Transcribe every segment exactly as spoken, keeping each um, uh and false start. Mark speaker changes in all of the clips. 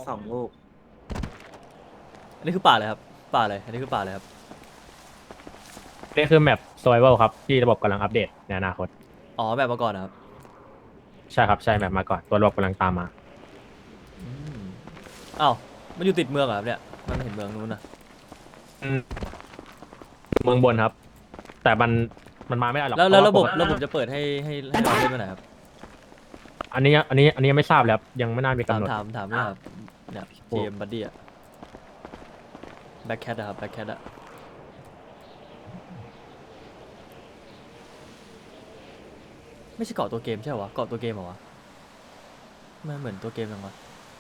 Speaker 1: สองลูก
Speaker 2: อันนี้คือป่าเลยครับป่าเลยอันนี้คือป่าเลยครับ
Speaker 3: นี่คือแมป survival ครับที่ระบบกำลังอัปเดตในอนาคต
Speaker 2: อ๋อแบบมาก่อนนะครับ
Speaker 3: ใช่ครับใช่แมปมาก่อนตัวระบบกำลังตามมา
Speaker 2: อืมอ้าวมันอยู่ติดเมืองเหรอครับเนี่ยมันไม่เห็นเมืองนู้นนะ
Speaker 3: อืมเมืองบนครับ แต่มันมันมาไม่ได้หรอก
Speaker 2: แล้วแล้ว
Speaker 3: เพ
Speaker 2: ระ
Speaker 3: ราะ
Speaker 2: บบ
Speaker 3: ว่าปกติ
Speaker 2: ระบบจะเปิดให้ให้ให้เราเล่นเมื่อไหร่ครับ
Speaker 3: อันนี้อันนี้อันนี้ยังไม่ทราบเลยครับยังไม่น่ามี
Speaker 2: ถาม
Speaker 3: กำหนด
Speaker 2: ถามถามเนี่ยครับเนี่ย
Speaker 3: โอ้
Speaker 2: เกมบัดดี้อะแบ็คแคทอะครับแบ็คแคทอะไม่ใช่เกาะตัวเกมใช่เหรอวะเกาะตัวเกมเหรอวะมันเหมือนตัวเกมยังวะ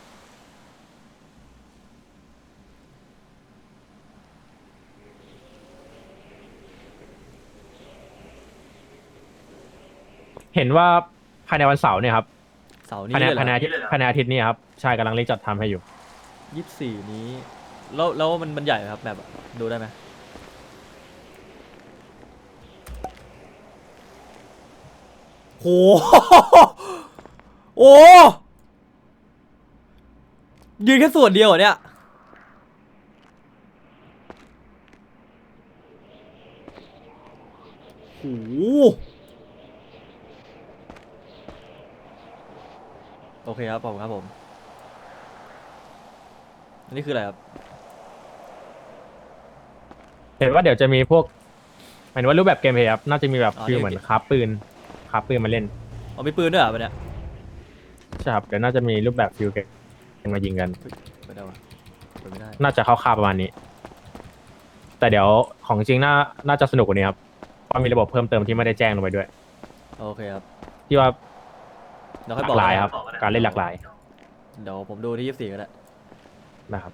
Speaker 3: เห็นว่าภายในวันเสาร์เนี่ยครับ
Speaker 2: เสาร์นี้
Speaker 3: ภายใน
Speaker 2: เลยเหร
Speaker 3: ภายใน
Speaker 2: อ
Speaker 3: อาทิตย์ภายในอาทิตย์นี้ครับใช่กำลังเร่งจัดทำให้อยู่
Speaker 2: ยี่สิบสี่นี้แล้วแล้วมันมันใหญ่ไหมครับแบบอะดูได้ไหมโห โอ้ยืนแค่ส่วนเดียวเหรอเนี่ยโหโอเคครับผมครับผมอันนี้คืออะไรครับ
Speaker 3: เห็นว่าเดี๋ยวจะมีพวกหมายถึงว่ารูปแบบเกมเพลย์ครับน่าจะมีแบบ
Speaker 2: อ๋อ
Speaker 3: ฟิล
Speaker 2: นี่
Speaker 3: เหมือนคราฟปืนคราฟปืนมาเล่น
Speaker 2: เอามีปืนด้วยเหรอปะเนี่ย
Speaker 3: ใช่ครับเดี๋ยวน่าจะมีรูปแบบฟิลเกมมายิงกัน
Speaker 2: ไม่ได้วะเปิดไม่ได้
Speaker 3: น่าจะคร่าวๆประมาณนี้ แต่เดี๋ยวของจริงน่าน่าจะสนุกกว่านี้ครับเพราะมีระบบเพิ่มเติมที่ไม่ได้แจ้งลงไปด้วย
Speaker 2: โอเคครับ
Speaker 3: ที่ว่า
Speaker 2: เดี๋ยว
Speaker 3: ห
Speaker 2: ค่อย
Speaker 3: ลา
Speaker 2: บอก
Speaker 3: กหลาย
Speaker 2: นะ
Speaker 3: ครับ การเล่นหลากหลาย
Speaker 2: เดี๋ยวผมดูที่ยี่สิบสี่ก็ได้
Speaker 3: นะครับ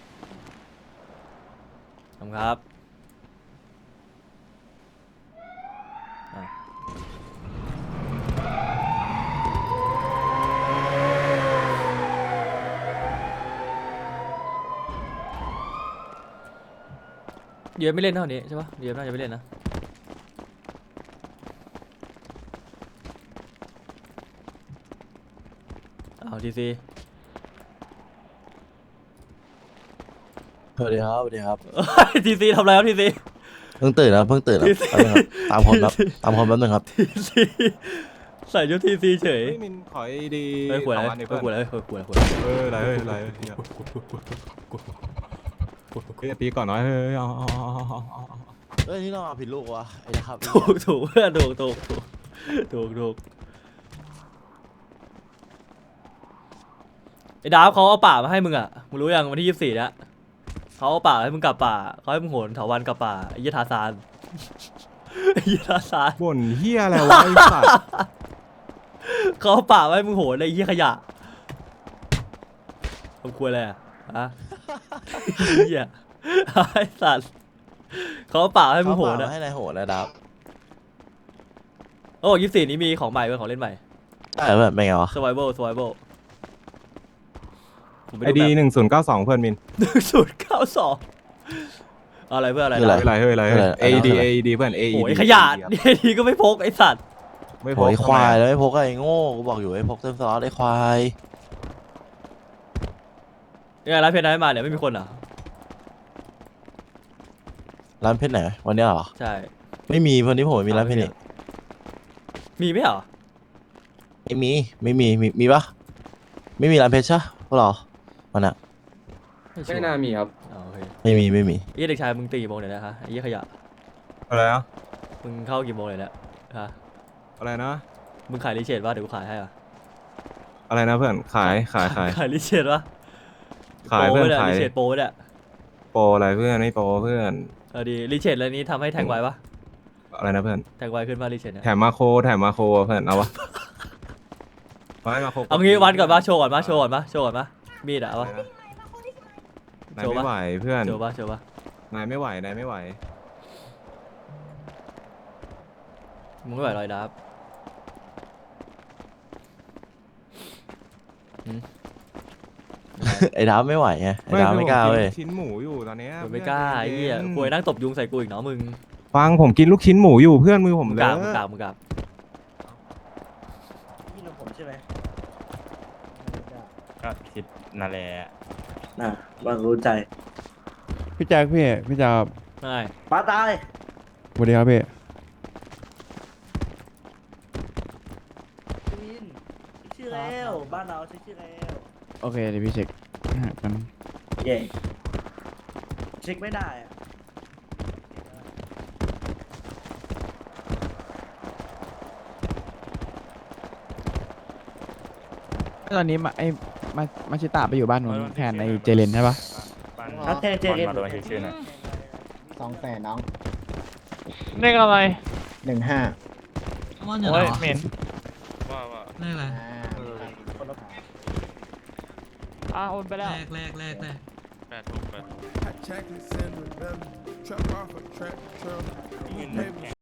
Speaker 2: ขอบคุณครับอ่ะเดี๋ยวไม่เล่นเท่านี้ใช่ปะเดี๋ยวน่าจะไม่เล่นนะเอาทีซี
Speaker 4: สวัสดีครับสวัสดีครับ
Speaker 2: ทีซีทำอะไรครับทีซี
Speaker 4: เพิ่งตื่นนะเพิ่งตื่นนะ
Speaker 2: ทีซี
Speaker 4: แป๊บนึงครับตามคนครับตามคนแป๊บนึงครับ
Speaker 2: ทีซีใส่ชุดทีซีเฉย
Speaker 5: เฮ้ยมินขอไอดี
Speaker 2: เฮ้ยขวด
Speaker 5: ส
Speaker 2: อะ
Speaker 5: อง
Speaker 2: ไร
Speaker 5: อันดิ
Speaker 2: เฮ้
Speaker 5: เพื่
Speaker 2: ย
Speaker 5: อน
Speaker 2: ขวดอะไรเฮ้ยขวดอะไรขวดอะไร
Speaker 5: เอออะไรเฮ้ยอะไรเฮ้ยเฮ้ยตีก่อนหน่อยเฮ้ยเอาเอาเอาเอาเอาเอา
Speaker 4: เฮ้ยนี่เราเอาผิดลูกวะไอ้นะครับ
Speaker 2: ถูกถูกเพื่อนถูกถูกถูกถูกถูกไอ้ดาบเขาเอาป่ามาให้มึงอ่ะมึงรู้ยังวันที่ยี่สิบสี่เนี่ยเขาเอาป่าให้มึงกลับป่าเขาให้มึงโหนเถาวันกลับป่าไอ้ยี่ทาซานไอ้ยี่ทาซาน
Speaker 5: บ่นเฮียอะไรวะไอ้สัตว์
Speaker 2: เขาเอาป่ามาให้มึงโหนไอ้ยี่ขยะทำครัวอะไรอ่ะฮะเหี้ยไอ้สัตว์เขาเอาป่ามาให้มึ
Speaker 4: เขา
Speaker 2: งโห
Speaker 4: เป
Speaker 2: น
Speaker 4: ล่า
Speaker 2: อ่ะ
Speaker 4: ให้นายโหดนะดับ
Speaker 2: โอ้ยี่สิบสี่นี้มีของใหม่เป็นของเล่นใหม่
Speaker 4: ใช่แบบเป็นไงวะ
Speaker 2: survival survival ผมไป
Speaker 5: ไอ
Speaker 2: ดู
Speaker 5: ดี
Speaker 2: แบบ
Speaker 5: หนึ่งศูนย์เก้าสองเพื่อนมิน
Speaker 2: หนึ่งศูนย์เก้าสองอะไรเพื่ออะไร
Speaker 4: คืออะไร
Speaker 2: นะ
Speaker 5: อะไรเฮ้ยอะไรเฮ้ยไอดีไอดีเพื่อนไอ
Speaker 2: โอ้ย
Speaker 5: ดี
Speaker 2: ขยะนี่ทีก็ไม่พกไอสัตว์
Speaker 5: ไม่พ
Speaker 4: โอ้
Speaker 5: อย
Speaker 4: ควายแล้วไม่พกไอ้โง่กูบอกอยู่ไอ้พกเต็มซอสไอ้ควาย
Speaker 2: ยังไงร้านเพชรได้มาเนี่ยไม่มีคนเหรอ
Speaker 4: ร้านเพชรไหนวันเนี้ยเหรอ
Speaker 2: ใช่
Speaker 4: ไม่มีวันนี้ผมไม่มีร้านเพชรนี่
Speaker 2: มีไหมเหรอ
Speaker 4: ไม่มีไม่มีมีมีปะไม่มีร้านเพชรใช่พวกเราวันน่ะ
Speaker 2: ไม่ชัว
Speaker 6: ไม่
Speaker 2: ร์
Speaker 6: น่ามีครับ
Speaker 2: อ๋อโอเค
Speaker 4: ไม่มีไม่มี
Speaker 2: ไอ้เด็กชายมึงตีกี่โมงเนี่ยนะฮะไอ้ยี่ขยะ
Speaker 5: อะไรนะ
Speaker 2: มึงเข้ากี่โมงเลยเนี่ยฮะ
Speaker 5: อะไรนะ
Speaker 2: มึงขายรีเชดป่ะเดี๋ยวกูขายให้อ่ะ
Speaker 5: อะไรนะเพื่อนขายขายขาย
Speaker 2: ขายรีเชดป่ะ
Speaker 5: ขายเพื่อน
Speaker 2: โปรไว้
Speaker 5: ขาย
Speaker 2: รีเชดโปรเนี่ย
Speaker 5: โปรอะไรเพื่อนไม่โปรเพื่อน
Speaker 2: เออดีรีเชดอะไรนี้ทำให้แทงไวป่ะ
Speaker 5: อะไรนะเพื่อน
Speaker 2: แทงไวขึ้นป่ะรีเชดเนี่ย
Speaker 5: แถมมาโคแถมมาโคเพื่อนเอาวะเอาให้มาโค
Speaker 2: เอางี้วันก่อนป่ะโชว์ก่อนป่ะโชว์ก่อนป่ะโชว์ก่อนป่ะมีดอะ
Speaker 5: อะไร
Speaker 2: วะ
Speaker 5: นะนาย
Speaker 2: โชว์ปะ
Speaker 5: ไม่ไหวเพื่อน
Speaker 2: โชว์ป่ะโชว์ป่ะ
Speaker 5: นายไม่ไหวนายไม่ไหว
Speaker 2: มึงไม่ไหวลอยดับ
Speaker 4: ไอ้ดับไม่ไหวไงไอ้ดับไม่กล้า
Speaker 5: คือผ
Speaker 4: เว้ย
Speaker 5: นชิ้นหมูอยู่ตอนเนี้ย
Speaker 2: มึงไม่กล้าไอ้
Speaker 5: พื่น
Speaker 2: เหี้ย
Speaker 5: ใจน
Speaker 2: ป่วยนั่งตบยุงใส่กูอีกเนาะมึง
Speaker 5: ฟังผมกินลูกชิ้นหมูอยู่เพื่อนมือผม
Speaker 2: มึง
Speaker 5: เล
Speaker 2: กราบมึงกราบมึงกราบ
Speaker 4: พี่นผมใช่ไหม
Speaker 3: ค
Speaker 1: ก็คิดนั่นแหละ
Speaker 6: น่ะบางรู้ใจ
Speaker 7: พี่แจ็คพี่พี่แจ็ค
Speaker 2: ไม่
Speaker 6: ป้าตาย
Speaker 7: สวัสดีครับพี่
Speaker 6: วินชื่อแล้วบ้านเราใช้ชื่อแล้ว
Speaker 7: โอเคเดี๋ยวพี่เช็คกัน
Speaker 6: เย่เช็คไม่ได้อะ
Speaker 7: ตอนนี้มาไอ้มามาชิตาไปอยู่บ้านนู้นแทนไอ้เจเลนใช่ปะ
Speaker 1: บ้าน
Speaker 6: ถ้าเจเจ
Speaker 1: บอล
Speaker 6: เอ็น
Speaker 1: มาโดนชื่อๆหน่อย
Speaker 8: สองแสนน้อง
Speaker 3: เลขอะไร
Speaker 8: หนึ่งห้า
Speaker 3: โอ้ยเหม็น
Speaker 1: ว่าว่า
Speaker 9: แรกอะไร
Speaker 3: อ่าโอนไปแล้ว
Speaker 9: แรกแรกแรกแรก
Speaker 1: แปดหกแปด
Speaker 10: Hot chocolate sandwich, belly. Trap off a track, truck.